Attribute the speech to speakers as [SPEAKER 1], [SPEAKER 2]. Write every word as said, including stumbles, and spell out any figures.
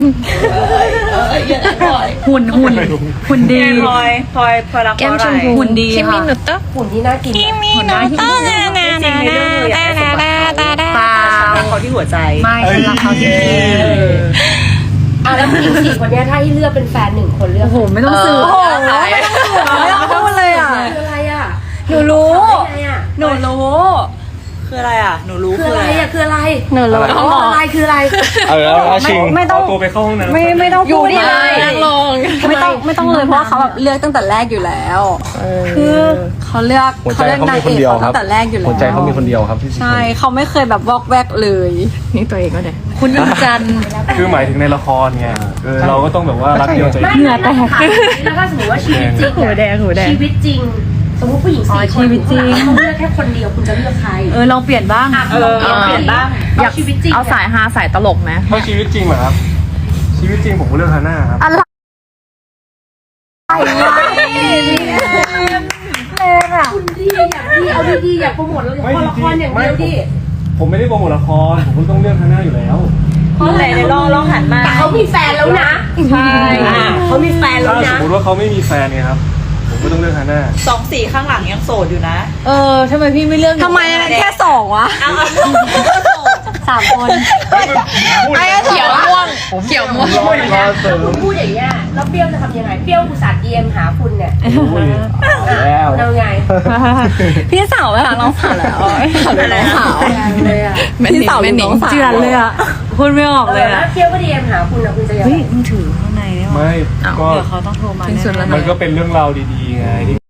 [SPEAKER 1] หุ่นหุ่นหุ่นดี
[SPEAKER 2] พลอยพลอยพลอยรักเพราะอะไร
[SPEAKER 1] หุ่นดี
[SPEAKER 3] คิมิ
[SPEAKER 1] ค่ะ
[SPEAKER 3] โนโตะ
[SPEAKER 4] หุ่นที่น่ากิน
[SPEAKER 3] คิมิโนโตะนานานานานานานานา
[SPEAKER 1] เปล่า
[SPEAKER 2] รักเขาที่หัวใจ
[SPEAKER 1] ไม่ฉันรักเขาจริง
[SPEAKER 4] อ่ะแล้วผู้หญิงสี่คนเนี้ยถ้าให้เลือกเป็นแฟนหนึ่งคนเลือก
[SPEAKER 1] โอ้โหไม่ต้องสื่อ
[SPEAKER 4] โอ้โห
[SPEAKER 1] ไม่ต้องพูดเลยอ่ะ
[SPEAKER 4] คืออะไรอ่ะ
[SPEAKER 1] หนูรู้
[SPEAKER 4] คืออะไรอ่ะ
[SPEAKER 1] หนูรู้
[SPEAKER 2] คืออะไรอ่ะหนูรู้
[SPEAKER 4] คืออะไรอ่ะคืออะไร
[SPEAKER 3] หนูรู้
[SPEAKER 4] อ๋ออะไรคืออะไร
[SPEAKER 5] เออแล้วชิง
[SPEAKER 1] ไม่ต้อง
[SPEAKER 5] เาตัวไปเข้าห้องน้ำ
[SPEAKER 1] ไม่ไม่ต้องพูดเลย
[SPEAKER 3] นั่งลง
[SPEAKER 1] ไม่ต้องไม่ต้องเลยเพราะว่าเขาแบบเลือกตั้งแต่แรกอยู่แล้วคือเขาเลือก
[SPEAKER 5] หัวใจ
[SPEAKER 1] เขาเลือก
[SPEAKER 5] เขา
[SPEAKER 1] นาง
[SPEAKER 5] มีค
[SPEAKER 1] เอน ก
[SPEAKER 5] เดียว
[SPEAKER 1] เขา
[SPEAKER 5] ครั
[SPEAKER 1] ตั้
[SPEAKER 5] บ
[SPEAKER 1] งแต่แรกอยู่แล้ว
[SPEAKER 5] หัวใจเขามีคนเดียวครับที่
[SPEAKER 1] ใช่เขาไม่เคยแบบวอกแวกเลย
[SPEAKER 3] นี่ตัวเองก็ได้
[SPEAKER 1] คุณดวงจันทร์
[SPEAKER 5] คือหมายถึงในละครไงเออเราก็ต้องแบบว่ารักเดียวใจ
[SPEAKER 4] ไม่
[SPEAKER 5] เดียว
[SPEAKER 4] เหงื่อแตกแล้วถ้าสมมติว่าชีวิตจริง
[SPEAKER 3] หูแดงหูแดง
[SPEAKER 4] ชีวิตจริง สมมติผู้หญิงสี่คนเขาเลือกแค่คนเดียวคุณจะเลือกใคร
[SPEAKER 1] เออลองเปลี่ยนบ้าง
[SPEAKER 4] อ่ะ
[SPEAKER 2] เออเอาเปลี่ยนบ้าง
[SPEAKER 4] เอาชีวิตจริง
[SPEAKER 3] เอาสายฮาสายตลกไหม
[SPEAKER 5] ถ้าชีวิตจริงเหรอครับ ชีวิตจริงผมก็เลือกฮาน่าครับ
[SPEAKER 1] อะไรวะแรงอ่ะ
[SPEAKER 4] คุณดีอยากดีเอาดีๆอยากโปรโมทละครละครอย่างเดียวดิ
[SPEAKER 5] ผมไม่ได้โปรโมทละครผมก็ต้องเลือกฮาน่าอยู่แล้ว
[SPEAKER 2] เพราะอะไรในลองลองหันมา
[SPEAKER 4] แต่เขามีแฟนแล้วนะ
[SPEAKER 2] ใช่
[SPEAKER 4] อ่ะเขามีแฟนแล้ว
[SPEAKER 5] ถ้าสม
[SPEAKER 4] นะ
[SPEAKER 5] มติว่าเขาไม่มีแฟนเนี่ยครับผมก็ต้องเลือกฮาน่า
[SPEAKER 2] สองสี่ข้างหลังยังโสดอยู่นะ
[SPEAKER 1] เออทำไมพี่ไม่เลือกทำไมแค่สองวะ
[SPEAKER 2] เอาเอา
[SPEAKER 1] สามคน
[SPEAKER 3] ไอ้เขียวม่วงเขียวม่วง
[SPEAKER 5] รออีกรอเสริ
[SPEAKER 4] ถ้าม คุณพูดอย่างเงี้ยแล้วเปรี้ยวจะทำยังไงเปรี้ยวอุตส่าห์ ดี เอ็ม หาคุณเนี่ย
[SPEAKER 5] โอ้ยแล้ว
[SPEAKER 4] เอาไง
[SPEAKER 1] พี่สาวไปหาน้องสาวแล้วหาน้องสาว
[SPEAKER 4] เลยอ่ะ
[SPEAKER 1] พี่สาวเป็นน้องสาวเจือนเลยอ่ะพูดไม่ออก
[SPEAKER 4] เอ
[SPEAKER 1] เล
[SPEAKER 4] อย แล้
[SPEAKER 1] อ่ะ
[SPEAKER 4] วเปรี้ยวก็ ดี เอ็ม หาคุณนะคุณจะยัง
[SPEAKER 1] เฮ้
[SPEAKER 4] ไง
[SPEAKER 1] ยมึงถือข้างในได้ไหม
[SPEAKER 5] ไม่ก็
[SPEAKER 1] เดี๋ยวเขาต้องโทรมาแน่
[SPEAKER 5] มันก็เป็นเรื่องราวดีๆไง